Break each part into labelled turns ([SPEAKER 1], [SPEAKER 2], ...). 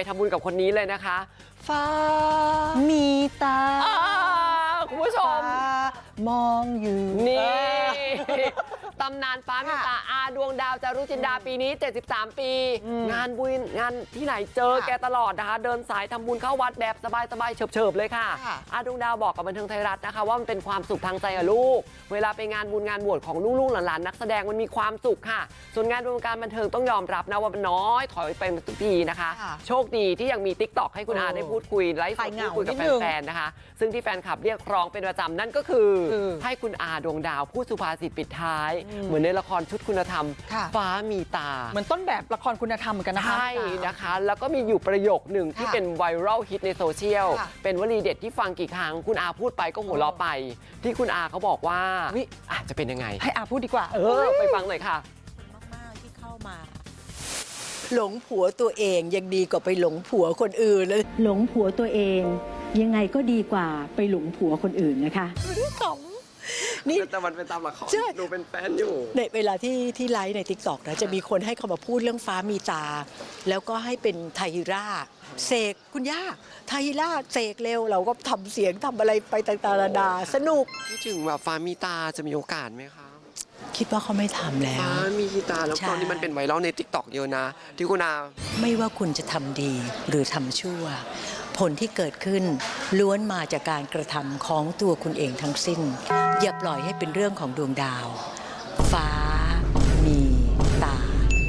[SPEAKER 1] ทำบุญกับคนนี้เลยนะคะฟ้า
[SPEAKER 2] มีตา
[SPEAKER 1] คุณผู้ชม
[SPEAKER 2] มองอยู่
[SPEAKER 1] นี่ตำนานฟ้ามีตาอาดวงดาวจารุจินดาปีนี้73 ปีงานบุญงานที่ไหนเจอแกตลอดนะคะเดินสายทำบุญเข้าวัดแบบสบายๆเฉิบๆเลยค่ะอาดวงดาวบอกกับบันเทิงไทยรัฐนะคะว่ามันเป็นความสุขทางใจกับลูกเวลาไปงานบุญงานบวชของลูกๆหลานๆนักแสดงมันมีความสุขค่ะส่วนงานวงการบันเทิงต้องยอมรับนะว่ามันน้อยถอยไปทุกทีนะคะโชคดีที่ยังมี TikTok ให้คุณอาได้พูดคุยไลฟ์สดพูดคุยกับแฟนๆนะคะซึ่งที่แฟนคลับเรียกร้องเป็นประจำนั่นก็คือให้คุณอาดวงดาวพูดสุภาษิตปิดท้ายเหมือนในละครชุดคุณธรรมฟ้ามีตา
[SPEAKER 2] เหมือนต้นแบบละครคุณธรรมเหมือนกันนะคะ
[SPEAKER 1] ใช่นะคะแล้วก็มีอยู่ประโยคหนึ่งที่เป็นไวรัลฮิตในโซเชียลเป็นวลีเด็ดที่ฟังกี่ครั้งคุณอาพูดไปก็หัวเราะไปที่คุณอาเขาบอกว่าอาจจะเป็นยังไง
[SPEAKER 2] ให้อาพูดดีกว่า
[SPEAKER 1] ไปฟังหน่อยค่ะ
[SPEAKER 3] มากๆที่เข้ามาหลงผัวตัวเองยังดีกว่าไปหลงผัวคนอื่นเลย
[SPEAKER 4] หลงผัวตัวเองยังไงก็ดีกว่าไปหลงผัวคนอื่นนะคะ
[SPEAKER 1] นี่แต่มันเป็นตามละครดูเป็นแฟนอยู่
[SPEAKER 3] ในเวลาที่ไลฟ์ใน TikTok นะจะมีคนให้เขามาพูดเรื่องฟ้ามีตาแล้วก็ให้เป็นไทราเสกคุณย่าไทราเสกเร็วเราก็ทำเสียงทำอะไรไปต่างๆนานาสนุก
[SPEAKER 1] ที่ถึงแบบฟ้ามีตาจะมีโอกาสไหมคะ
[SPEAKER 3] คิดว่าเขาไม่ทำแล้ว
[SPEAKER 1] ฟ้ามีตาแล้วตอนนี้มันเป็นไวรัลใน TikTok เยอะนะที่คุณอา
[SPEAKER 3] ไม่ว่าคุณจะทำดีหรือทำชั่วผลที่เกิดขึ้นล้วนมาจากการกระทำของตัวคุณเองทั้งสิ้นอย่าปล่อยให้เป็นเรื่องของดวงดาวฟ้ามีตา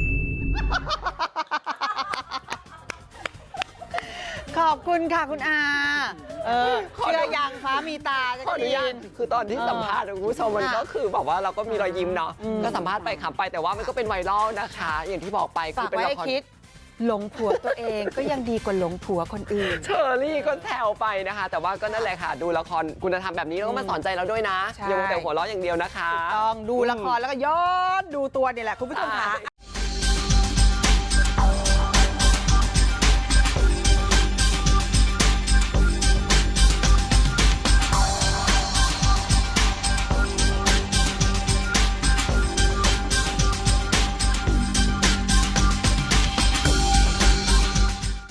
[SPEAKER 2] ขอบคุณค่ะคุณอาเชื่อยังฟ้ามีตาจะ
[SPEAKER 1] ได้ยินคือตอนที่สัมภาษณ์คุณผู้ชมมันก็คือแบบว่าเราก็มีรอยยิ้มเนาะก็สัมภาษณ์ไปขำไปแต่ว่ามันก็เป็นไวรัลนะคะอย่างที่บอกไปคือเป็นละคร
[SPEAKER 2] หลงผัวตัวเองก็ยังดีกว่าหลงผัวคนอื่น
[SPEAKER 1] เชอรี่ก็แซวไปนะคะแต่ว่าก็นั่นแหละค่ะดูละครคุณธรรมแบบนี้แล้วก็มาสอนใจเราด้วยนะอย่ามัวแต่หัวเราะอย่างเดียวนะคะ
[SPEAKER 2] ต้องดูละครแล้วก็ย้อนดูตัวนี่แหละคุณผู้ชมค่ะ